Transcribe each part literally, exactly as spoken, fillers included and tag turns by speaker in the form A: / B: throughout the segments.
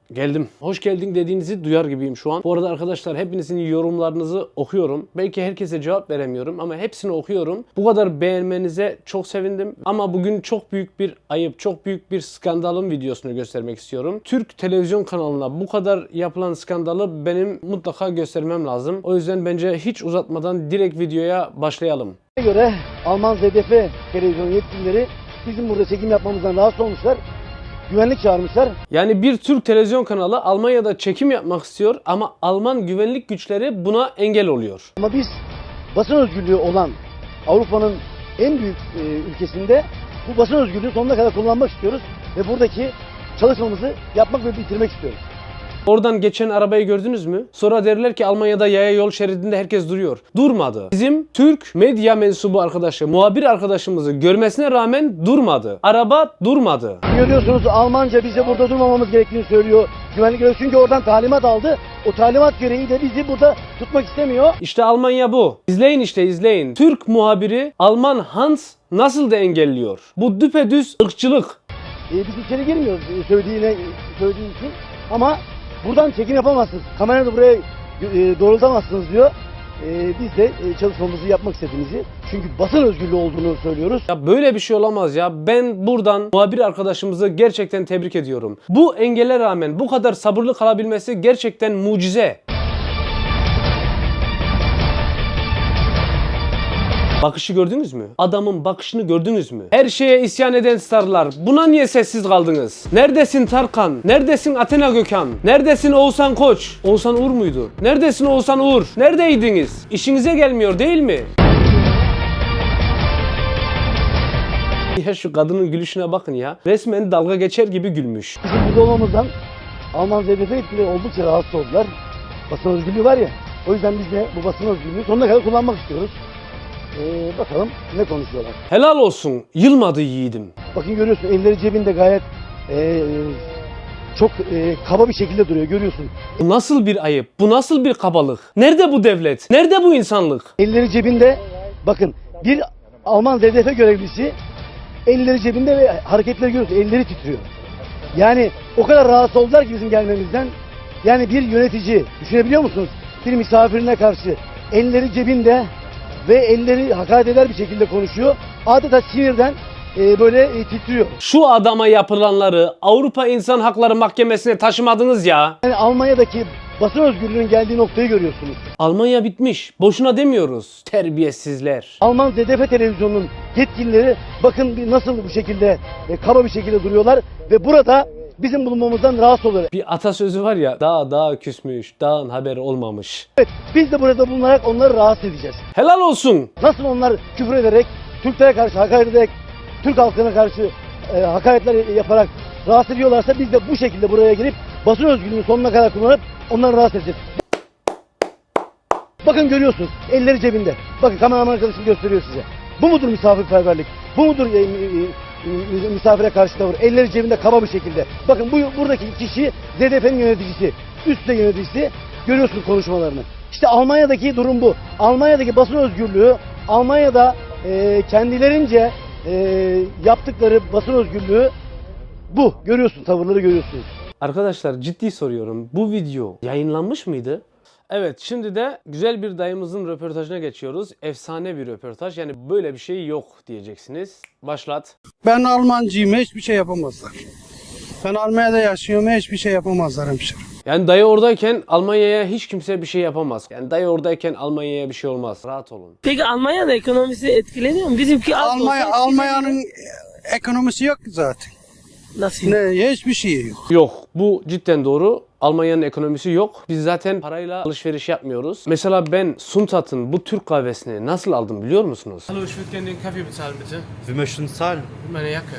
A: Geldim. Hoş geldin dediğinizi duyar gibiyim şu an. Bu arada arkadaşlar hepinizin yorumlarınızı okuyorum. Belki herkese cevap veremiyorum ama hepsini okuyorum. Bu kadar beğenmenize çok sevindim. Ama bugün çok büyük bir ayıp, çok büyük bir skandalın videosunu göstermek istiyorum. Türk televizyon kanalına bu kadar yapılan skandalı benim mutlaka göstermem lazım. O yüzden bence hiç uzatmadan direkt videoya başlayalım.
B: göre Alman Z D F televizyon yetkilileri bizim burada çekim yapmamızdan rahatsız olmuşlar. Güvenlik çağırmışlar.
A: Yani bir Türk televizyon kanalı Almanya'da çekim yapmak istiyor ama Alman güvenlik güçleri buna engel oluyor.
B: Ama biz basın özgürlüğü olan Avrupa'nın en büyük e, ülkesinde bu basın özgürlüğü sonuna kadar kullanmak istiyoruz ve buradaki çalışmamızı yapmak ve bitirmek istiyoruz.
A: Oradan geçen arabayı gördünüz mü? Sonra derler ki Almanya'da yaya yol şeridinde herkes duruyor. Durmadı. Bizim Türk medya mensubu arkadaşı, muhabir arkadaşımızı görmesine rağmen durmadı. Araba durmadı.
B: Görüyorsunuz Almanca bize burada durmamamız gerektiğini söylüyor. Güvenlik görevlisi çünkü oradan talimat aldı. O talimat gereği de bizi burada tutmak istemiyor.
A: İşte Almanya bu. İzleyin işte izleyin. Türk muhabiri Alman Hans nasıl da engelliyor. Bu düpedüz ırkçılık.
B: E, biz içeri girmiyoruz e, söylediğine söylediği için ama buradan çekim yapamazsınız. Kamerayı da buraya e, doğrultamazsınız diyor. E, biz de e, çalışmamızı yapmak istediğimizi, çünkü basın özgürlüğü olduğunu söylüyoruz.
A: Ya böyle bir şey olamaz ya. Ben buradan muhabir arkadaşımızı gerçekten tebrik ediyorum. Bu engele rağmen bu kadar sabırlı kalabilmesi gerçekten mucize. Bakışı gördünüz mü? Adamın bakışını gördünüz mü? Her şeye isyan eden starlar. Buna niye sessiz kaldınız? Neredesin Tarkan? Neredesin Athena Gökhan? Neredesin Oğuzhan Koç? Oğuzhan Uğur muydu? Neredesin Oğuzhan Uğur? Neredeydiniz? İşinize gelmiyor değil mi? Ya şu kadının gülüşüne bakın ya. Resmen dalga geçer gibi gülmüş.
B: Bizim burada olmamızdan Alman Z D F yetkilileri oldukça rahatsız oldular. Basın özgürlüğü var ya, o yüzden biz de bu basın özgürlüğünü sonuna kadar kullanmak istiyoruz. Ee, bakalım ne konuşuyorlar.
A: Helal olsun. Yılmadı yiğidim.
B: Bakın görüyorsun elleri cebinde gayet e, çok e, kaba bir şekilde duruyor, görüyorsun.
A: Bu nasıl bir ayıp? Bu nasıl bir kabalık? Nerede bu devlet? Nerede bu insanlık?
B: Elleri cebinde, bakın bir Alman Z D F görevlisi elleri cebinde ve hareketleri görüyorsun, elleri titriyor. Yani o kadar rahatsız oldular ki bizim gelmemizden. Yani bir yönetici, düşünebiliyor musunuz? Bir misafirine karşı elleri cebinde ve elleri hakaret eder bir şekilde konuşuyor. Adeta sinirden e, böyle e, titriyor.
A: Şu adama yapılanları Avrupa İnsan Hakları Mahkemesi'ne taşımadınız ya.
B: Yani Almanya'daki basın özgürlüğünün geldiği noktayı görüyorsunuz.
A: Almanya bitmiş. Boşuna demiyoruz. Terbiyesizler.
B: Alman Z D F televizyonunun yetkilileri bakın bir nasıl bu şekilde e, kaba bir şekilde duruyorlar ve burada bizim bulunmamızdan rahatsız oluyorlar.
A: Bir atasözü var ya. Dağ dağa küsmüş. Dağın haberi olmamış.
B: Evet, biz de burada bulunarak onları rahatsız edeceğiz.
A: Helal olsun.
B: Nasıl onlar küfür ederek, Türklere karşı hakaret ederek, Türk halkına karşı e, hakaretler yaparak rahatsız ediyorlarsa biz de bu şekilde buraya gelip basın özgürlüğünü sonuna kadar kullanıp onları rahatsız edeceğiz. Bakın görüyorsunuz elleri cebinde. Bakın kameraman arkadaşım gösteriyor size. Bu mudur misafirperverlik? Bu mudur e, e, e, misafire karşı tavır? Elleri cebinde kaba bir şekilde. Bakın bu buradaki kişi Z D F'nin yöneticisi. Üst düzey yöneticisi. Görüyorsunuz konuşmalarını. İşte Almanya'daki durum bu. Almanya'daki basın özgürlüğü, Almanya'da e, kendilerince e, yaptıkları basın özgürlüğü bu. Görüyorsun, tavırları görüyorsunuz.
A: Arkadaşlar ciddi soruyorum. Bu video yayınlanmış mıydı? Evet, şimdi de güzel bir dayımızın röportajına geçiyoruz. Efsane bir röportaj. Yani böyle bir şey yok diyeceksiniz. Başlat.
C: Ben Almancıyım, hiçbir şey yapamazlar. Ben Almanya'da yaşıyorum, hiçbir şey yapamazlar hemşire.
A: Yani dayı oradayken Almanya'ya hiç kimse bir şey yapamaz. Yani dayı oradayken Almanya'ya bir şey olmaz. Rahat olun.
D: Peki Almanya'da ekonomisi etkileniyor mu? Bizimki az
C: Almanya,
D: olsa
C: Almanya'nın ekonomisi yok ki zaten.
D: nasıl?
C: Ne, hiçbir şey yok.
A: Yok, bu cidden doğru. Almanya'nın ekonomisi yok. Biz zaten parayla alışveriş yapmıyoruz. Mesela ben Suntat'ın bu Türk kahvesini nasıl aldım biliyor musunuz?
E: Hallo, ich würde gerne den Kaffee bezahlen, bitte.
F: Wir möchten zahlen.
E: Mit meiner Jacke.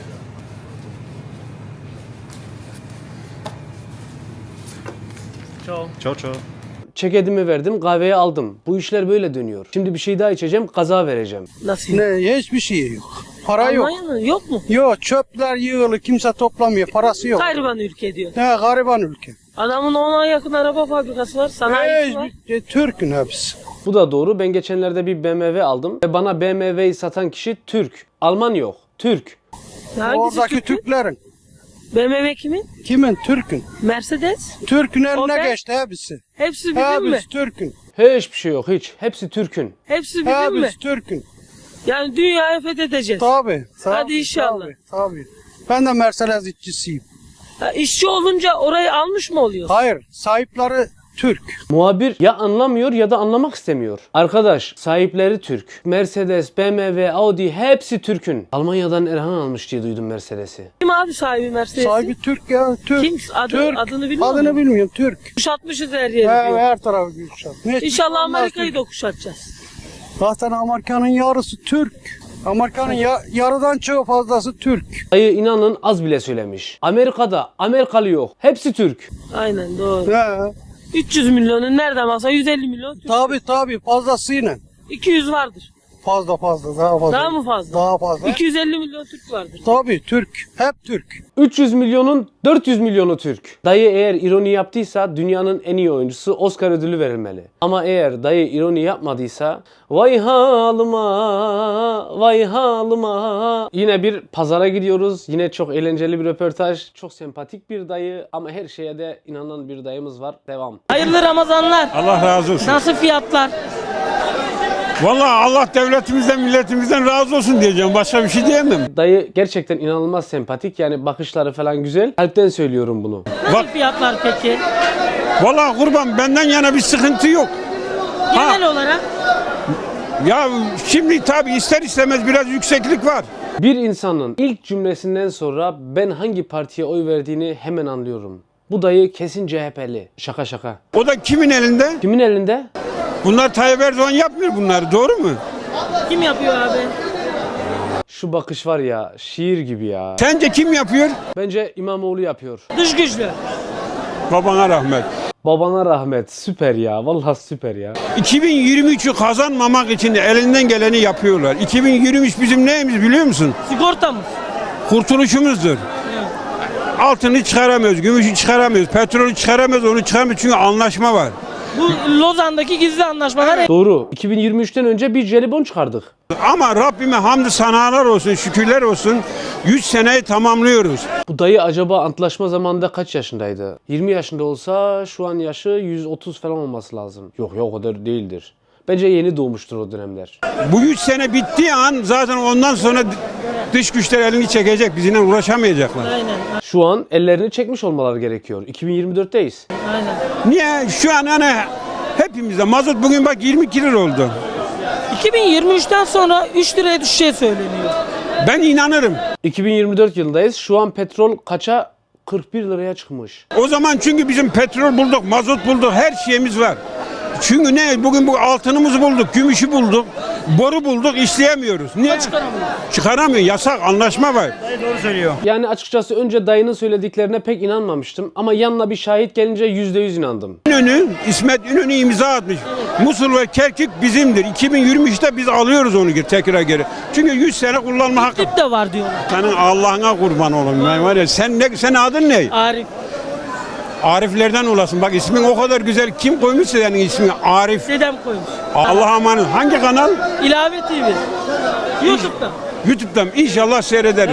E: Ciao.
F: Ciao, ciao.
A: Çekedimi verdim, kahveyi aldım. Bu işler böyle dönüyor. Şimdi bir şey daha içeceğim, kaza vereceğim.
D: Nasıl?
C: Ne, hiçbir şey yok. Para yok.
D: Almanya'nın yok mu?
C: Yok, çöpler yığılı, kimse toplamıyor, parası yok.
D: Gariban ülke diyor.
C: Ne, gariban ülke.
D: Adamın ona yakın araba fabrikası var, sanayisi var.
C: Hiçbir, e, Türk'ün hepsi.
A: Bu da doğru. Ben geçenlerde bir B M W aldım ve bana B M W'yi satan kişi Türk. Alman yok. Türk.
D: Hangisi
C: Oradaki
D: Türk'ü?
C: Türklerin.
D: B M W kimin?
C: Kimin? Türk'ün.
D: Mercedes.
C: Türk'ün
D: O
C: eline
D: ben-
C: geçti hepsi.
D: Hepsi bizim mi?
C: Hepsi Türk'ün.
A: Hiçbir şey yok hiç. Hepsi Türk'ün.
D: Hepsi bizim mi?
C: Hepsi Türk'ün.
D: Yani dünyayı fethedeceğiz.
C: Tabii. tabii,
D: Hadi inşallah.
C: Tabii, tabii. Ben de Mercedes işçisiyim.
D: Ha, işçi olunca orayı almış mı oluyor?
C: Hayır, sahipleri Türk.
A: Muhabir ya anlamıyor ya da anlamak istemiyor. Arkadaş sahipleri Türk. Mercedes, B M W, Audi hepsi Türk'ün. Almanya'dan Erhan almış diye duydum Mercedes'i.
D: Kim abi sahibi Mercedes'in?
C: Sahibi Türk ya, Türk.
D: Kim? Adı-
C: Türk.
D: adını bilmiyor
C: Adını
D: musun?
C: bilmiyorum, Türk.
D: Kuşatmışız her
C: He,
D: yeri diyor.
C: her tarafı Gülşah. Hiçbir
D: İnşallah
C: şey olmaz
D: Amerika'yı
C: Türk.
D: da kuşatacağız.
C: Zaten Amerika'nın yarısı Türk. Amerika'nın ya, yarıdan çok fazlası Türk.
A: Dayı inanın az bile söylemiş. Amerika'da Amerikalı yok. Hepsi Türk.
D: Aynen doğru.
C: He.
D: üç yüz milyonun nereden baksa yüz elli milyon Türk.
C: Tabii tabii fazlasıyla.
D: iki yüz vardır.
C: Fazla fazla, daha fazla.
D: Daha mı fazla?
C: Daha fazla.
D: iki yüz elli milyon Türk vardır.
C: Tabii Türk. Hep Türk.
A: üç yüz milyonun dört yüz milyonu Türk. Dayı eğer ironi yaptıysa dünyanın en iyi oyuncusu Oscar ödülü verilmeli. Ama eğer dayı ironi yapmadıysa vay halıma, vay halıma. Yine bir pazara gidiyoruz. Yine çok eğlenceli bir röportaj. Çok sempatik bir dayı ama her şeye de inanan bir dayımız var. Devam.
D: Hayırlı Ramazanlar.
F: Allah razı olsun.
D: Nasıl fiyatlar?
F: Vallahi Allah devletimizden, milletimizden razı olsun diyeceğim. Başka bir şey diyemem.
A: Dayı gerçekten inanılmaz sempatik. Yani bakışları falan güzel. Kalpten söylüyorum bunu.
D: Nasıl
F: Bak-
D: fiyatlar peki?
F: Vallahi kurban benden yana bir sıkıntı yok.
D: Genel
F: Ha.
D: olarak
F: Ya şimdi tabii ister istemez biraz yükseklik var.
A: Bir insanın ilk cümlesinden sonra ben hangi partiye oy verdiğini hemen anlıyorum. Bu dayı kesin C H P'li. Şaka şaka.
F: O da kimin elinde?
A: Kimin elinde?
F: Bunlar Tayyip Erdoğan yapmıyor bunları, doğru mu?
D: kim yapıyor abi?
A: Şu bakış var ya, şiir gibi ya.
F: Sence kim yapıyor?
A: Bence İmamoğlu yapıyor.
D: Dış güçlü.
F: Babana rahmet.
A: Babana rahmet. Süper ya. Vallahi süper ya.
F: iki bin yirmi üçü kazanmamak için elinden geleni yapıyorlar. iki bin yirmi üç bizim neyimiz biliyor musun?
D: Sigortamız.
F: Kurtuluşumuzdur. Altını çıkaramıyoruz, gümüşü çıkaramıyoruz, petrolü çıkaramıyoruz, onu çıkaramıyoruz çünkü anlaşma var.
D: Bu Lozan'daki gizli anlaşmalar
A: Doğru. iki bin yirmi üçten önce bir jelibon çıkardık.
F: Ama Rabbime hamdü sanalar olsun, şükürler olsun. yüz seneyi tamamlıyoruz.
A: Bu dayı acaba antlaşma zamanında kaç yaşındaydı? yirmi yaşında olsa şu an yaşı yüz otuz falan olması lazım. Yok yok o kadar değildir. Bence yeni doğmuştur o dönemler.
F: Bu yüz sene bittiği an zaten ondan sonra dış güçler elini çekecek, bizimle uğraşamayacaklar.
D: Aynen.
A: Şu an ellerini çekmiş olmaları gerekiyor. iki bin yirmi dörtteyiz.
D: Aynen.
F: Niye? Şu an hani hepimizde mazot bugün bak yirmi iki lira oldu.
D: iki bin yirmi üçten sonra üç liraya düşeceği söyleniyor.
F: Ben inanırım.
A: iki bin yirmi dört yılındayız. Şu an petrol kaça? kırk bir liraya çıkmış.
F: O zaman çünkü bizim petrol bulduk, mazot bulduk, her şeyimiz var. Çünkü ne? Bugün bu altınımızı bulduk, gümüşü bulduk, boru bulduk, işleyemiyoruz. Niye?
D: Çıkaramıyor.
F: Çıkaramıyor, yasak, anlaşma var.
A: Yani açıkçası önce dayının söylediklerine pek inanmamıştım. Ama yanına bir şahit gelince yüzde yüz inandım.
F: İnönü, İsmet İnönü imza atmış. Musul ve Kerkük bizimdir. iki bin yirmi üçte biz alıyoruz onu geri, tekrar geri. Çünkü yüz sene kullanma hakkı.
D: Tip de var diyorlar.
F: Senin Allah'ına kurban olayım ben var ya. Sen ne, sen adın ne?
D: Arif.
F: Ariflerden olasın. Bak ismin o kadar güzel. Kim koymuşsa senin ismini? Arif.
D: Dedem koymuş.
F: Allah'a emanet. Hangi kanal?
D: İlave T V. YouTube'da.
F: YouTube'dan. İnşallah seyrederiz.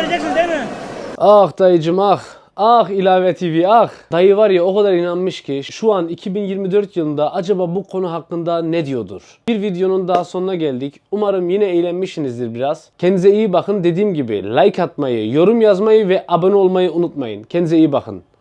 A: Ah dayıcım ah. Ah ilave T V ah. Dayı var ya o kadar inanmış ki şu an iki bin yirmi dört yılında acaba bu konu hakkında ne diyordur? Bir videonun daha sonuna geldik. Umarım yine eğlenmişsinizdir biraz. Kendinize iyi bakın. Dediğim gibi like atmayı, yorum yazmayı ve abone olmayı unutmayın. Kendinize iyi bakın.